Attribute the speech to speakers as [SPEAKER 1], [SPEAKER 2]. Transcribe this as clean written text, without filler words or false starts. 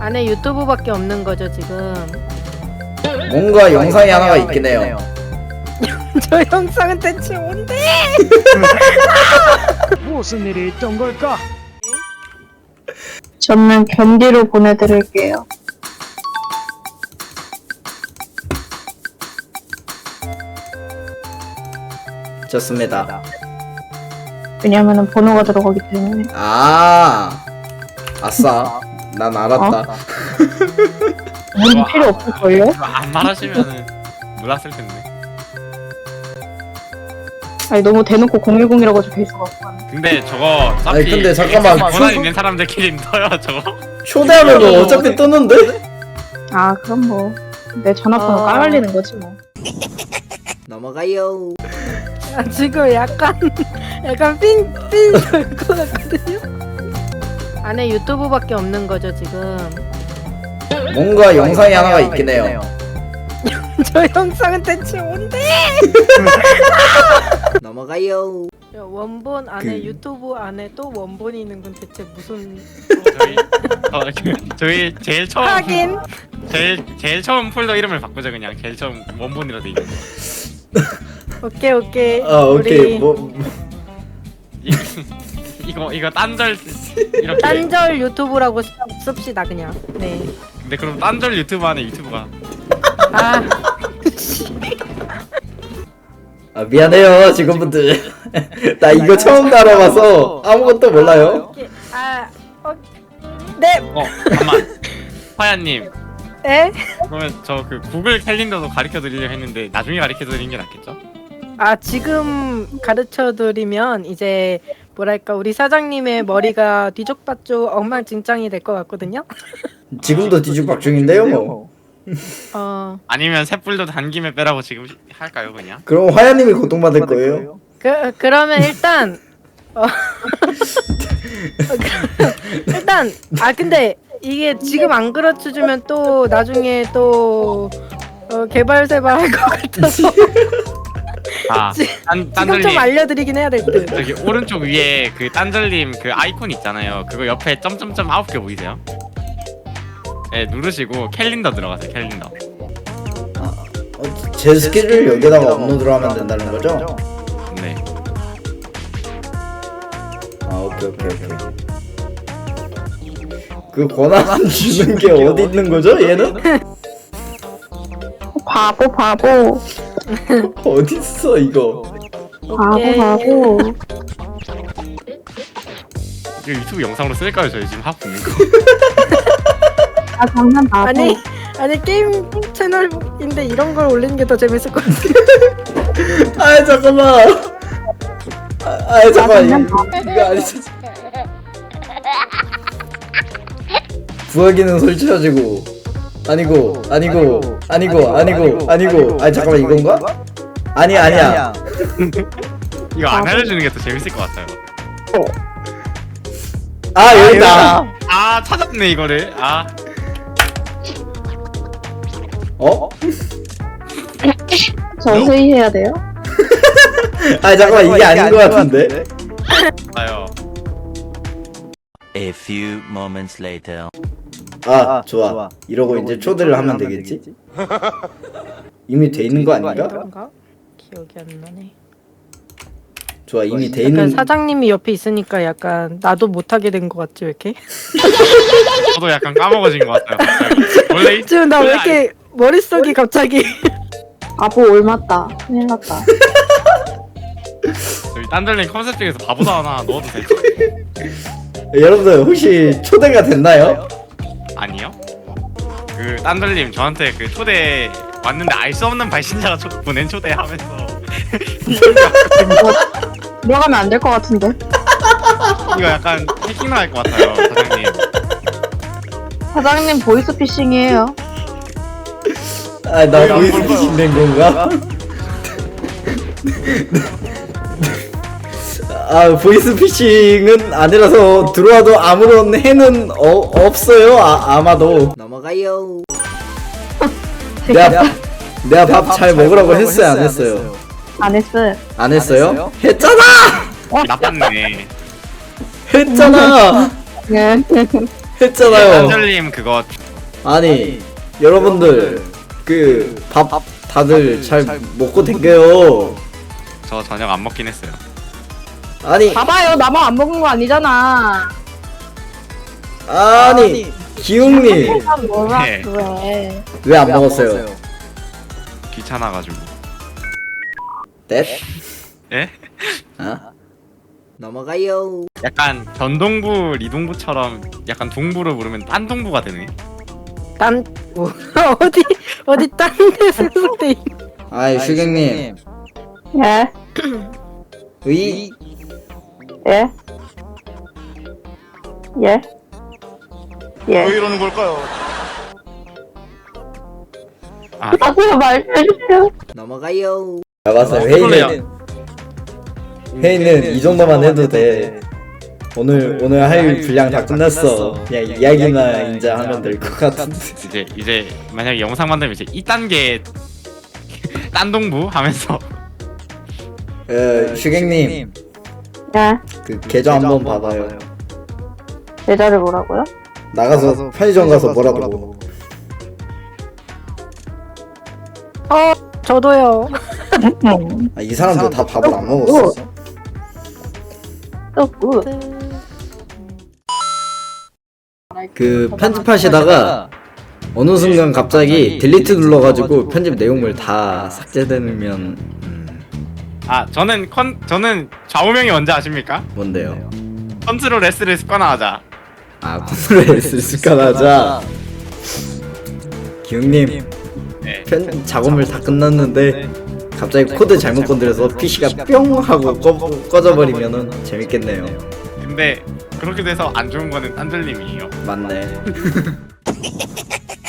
[SPEAKER 1] 안에 유튜브밖에 없는 거죠 지금.
[SPEAKER 2] 뭔가 영상이 하나가 있긴 해요.
[SPEAKER 1] 저 영상은 대체 뭔데?
[SPEAKER 3] 무슨 일이 있던 걸까?
[SPEAKER 4] 저는 견디로 보내드릴게요.
[SPEAKER 2] 좋습니다.
[SPEAKER 4] 왜냐면은 번호가 들어가기 때문에.
[SPEAKER 2] 아싸. 난 알았다.
[SPEAKER 4] 문 필요 없을걸요?
[SPEAKER 5] 안 말하시면은 몰랐을 텐데.
[SPEAKER 4] 아니 너무 대놓고 010이라고 적혀있어갖고.
[SPEAKER 5] 근데 저거 어차피
[SPEAKER 2] 아니, 근데 잠깐만,
[SPEAKER 5] 권한
[SPEAKER 2] 초보-
[SPEAKER 5] 있는 사람들끼리 떠요 저거.
[SPEAKER 2] 초대하면 어차피 뜨는데?
[SPEAKER 4] 아 그럼 뭐 내 전화번호 까발리는 거지 뭐.
[SPEAKER 2] 넘어가요.
[SPEAKER 1] 아, 지금 약간 삥 돌것 같거든요. 안에 유튜브밖에 없는 거죠 지금.
[SPEAKER 2] 뭔가 영상이 하나가 있긴 해요.
[SPEAKER 1] 저 영상은 대체 뭔데?
[SPEAKER 2] 넘어가요.
[SPEAKER 1] 원본 안에
[SPEAKER 2] 그-
[SPEAKER 1] 유튜브 안에 또 원본이 있는 건 대체 무슨?
[SPEAKER 5] 저희 제일 처음
[SPEAKER 1] 하긴
[SPEAKER 5] 제일 처음 폴더 이름을 바꾸자 그냥. 제일 처음 원본이라 돼 있는 거.
[SPEAKER 1] 오케이.
[SPEAKER 2] 오케이. 뭐
[SPEAKER 5] 이거 딴절 이렇게.
[SPEAKER 1] 딴절 유튜브라고 씁시다 그냥. 네.
[SPEAKER 5] 근데 그럼 딴절 유튜브 안에 유튜브가.
[SPEAKER 1] 아
[SPEAKER 2] 미안해요 직원분들. 나 이거 처음 달아봐서 아무것도 몰라요.
[SPEAKER 1] 오케이. 네.
[SPEAKER 5] 잠깐만. 화야님.
[SPEAKER 1] 에?
[SPEAKER 5] 그러면 저 그 구글 캘린더도 가르쳐 드리려 했는데 나중에 가르쳐 드리는 게 낫겠죠?
[SPEAKER 1] 아 지금 가르쳐 드리면 이제 뭐랄까 우리 사장님의 머리가 뒤죽박죽 엉망진창이 될 것 같거든요.
[SPEAKER 2] 지금도 뒤죽박죽인데요 뭐.
[SPEAKER 5] 아니면 셋불도 단김에 빼라고 지금 할까요 그냥?
[SPEAKER 2] 그럼 화야님이 고통받을 거예요.
[SPEAKER 1] 그러면 일단 일단 근데 이게 지금 안 가르쳐 주면 또 나중에 또 개발세발 할 것 같아서 지금 좀
[SPEAKER 5] 딴절님
[SPEAKER 1] 알려드리긴 해야 될 듯.
[SPEAKER 5] 저기 오른쪽 위에 그 딴절님 그 아이콘 있잖아요. 그거 옆에 점점점 9개 보이세요? 네 누르시고 캘린더 들어가세요. 캘린더.
[SPEAKER 2] 제 스케줄 여기다가 업로드를 하면 된다는 거죠?
[SPEAKER 5] 네.
[SPEAKER 2] 오케이. 그 권한 주는 게 어디 있는 거죠? 얘는
[SPEAKER 4] 바보.
[SPEAKER 2] 어디 있어 이거?
[SPEAKER 1] 오케이.
[SPEAKER 4] 바보.
[SPEAKER 5] 이거 유튜브 영상으로 쓸까요? 저희 지금 하고 있는 거.
[SPEAKER 4] 아 장난 바보.
[SPEAKER 1] 아니 게임 채널인데 이런 걸 올리는 게 더 재밌을 것 같아.
[SPEAKER 2] 잠깐만. 잠깐만. 이거 아니지. 부하기는 설치하시고 아니고 잠깐만 이건가? 아니야.
[SPEAKER 5] 이거 안 알려주는 게 더 재밌을 것 같아요.
[SPEAKER 2] 여기다.
[SPEAKER 5] 찾았네 이거를.
[SPEAKER 4] 저 회의해야 돼요?
[SPEAKER 2] 잠깐만 이게 아닌 것 같은데.
[SPEAKER 5] 아요.
[SPEAKER 6] A few moments later.
[SPEAKER 2] 좋아. 이러고 이제 초대를 하면 되겠지? 이미 돼 있는 거 아닌가?
[SPEAKER 1] 그런가? 기억이 안 나네.
[SPEAKER 2] 좋아 이미 돼
[SPEAKER 1] 약간
[SPEAKER 2] 있는.
[SPEAKER 1] 사장님이 옆에 있으니까 약간 나도 못하게 된 것 같지 왜 이렇게?
[SPEAKER 5] 저도 약간 까먹어진 것 같아요. 갑자기. 원래
[SPEAKER 1] 지금 나 왜 이렇게 머릿속이 갑자기
[SPEAKER 4] 바보 올맞다. 큰일 났다.
[SPEAKER 5] 저희 딴절님 컨셉 중에서 바보도 하나 넣어도 되죠?
[SPEAKER 2] 여러분들 혹시 초대가 됐나요?
[SPEAKER 5] 아니요. 그 딴절님 저한테 그 초대 왔는데 알 수 없는 발신자가 보낸 초대하면서
[SPEAKER 4] 들어가면 안 될 것 같은데.
[SPEAKER 5] 이거 약간 해킹 나갈 것 같아요 사장님.
[SPEAKER 4] 사장님 보이스피싱이에요.
[SPEAKER 2] 나 보이스피싱 된 건가? 보이스피싱은 아니라서 들어와도 아무런 해는 없어요. 아마도. 넘어가요. 내가 밥 잘 먹으라고 했어요, 안 했어요?
[SPEAKER 4] 안 했어요.
[SPEAKER 2] 안 했어요? 했잖아.
[SPEAKER 5] 나빴네.
[SPEAKER 2] 했잖아.
[SPEAKER 4] 네.
[SPEAKER 2] 했잖아요.
[SPEAKER 5] 딴절님 그거
[SPEAKER 2] 아니 여러분들 그 밥 다들 잘 먹고 댕겨요.
[SPEAKER 5] 저 저녁 안 먹긴 했어요.
[SPEAKER 2] 아니
[SPEAKER 4] 봐봐요, 나만 안 먹은 거 아니잖아.
[SPEAKER 2] 기웅님
[SPEAKER 4] 뭐라
[SPEAKER 5] 네.
[SPEAKER 4] 그래.
[SPEAKER 2] 왜 안 먹었어요?
[SPEAKER 5] 귀찮아가지고.
[SPEAKER 2] 넷?
[SPEAKER 5] 예?
[SPEAKER 2] 어? 넘어가요.
[SPEAKER 5] 약간 전동부 리동부처럼 약간 동부를 부르면 딴 동부가 되네.
[SPEAKER 1] 딴 뭐, 어디 딴 데서 때
[SPEAKER 2] 아이 슈경님
[SPEAKER 4] 예,
[SPEAKER 2] 의
[SPEAKER 4] 예, 예, 예.
[SPEAKER 7] 이러는 걸까요?
[SPEAKER 4] 나도 말해주세요.
[SPEAKER 2] 넘어가요. 나가서 회의는 이 정도만 해도 돼. 오늘 할 분량 다 끝났어. 그냥 이야기나 이제 하면 될 것 같은데.
[SPEAKER 5] 이제 만약에 영상 만들면 이제 2단계 딴 동부 하면서
[SPEAKER 2] 슈경님
[SPEAKER 4] 예,
[SPEAKER 2] 그 계좌 한번 봐봐요.
[SPEAKER 4] 계좌를 뭐라고요?
[SPEAKER 2] 나가서 편의점 가서 뭐라도 먹어.
[SPEAKER 1] 저도요.
[SPEAKER 2] 이 사람들 다 밥을 안 먹었어.
[SPEAKER 4] 또 굿.
[SPEAKER 2] 그 편집하시다가 어느 순간 갑자기 딜리트 눌러가지고 편집 내용물 다 삭제되면
[SPEAKER 5] 저는 좌우명이 뭔지 아십니까?
[SPEAKER 2] 뭔데요?
[SPEAKER 5] 컨트롤 S를 습관화하자.
[SPEAKER 2] 컨트롤 S를 습관하자. 기웅님
[SPEAKER 5] 네.
[SPEAKER 2] 작업을 다 끝났는데 갑자기 코드 잘못 건드려서 PC가 뿅 하고 꺼져버리면은 재밌겠네요.
[SPEAKER 5] 근데 그렇게 돼서 안 좋은 거는 딴들님이에요.
[SPEAKER 2] 맞네.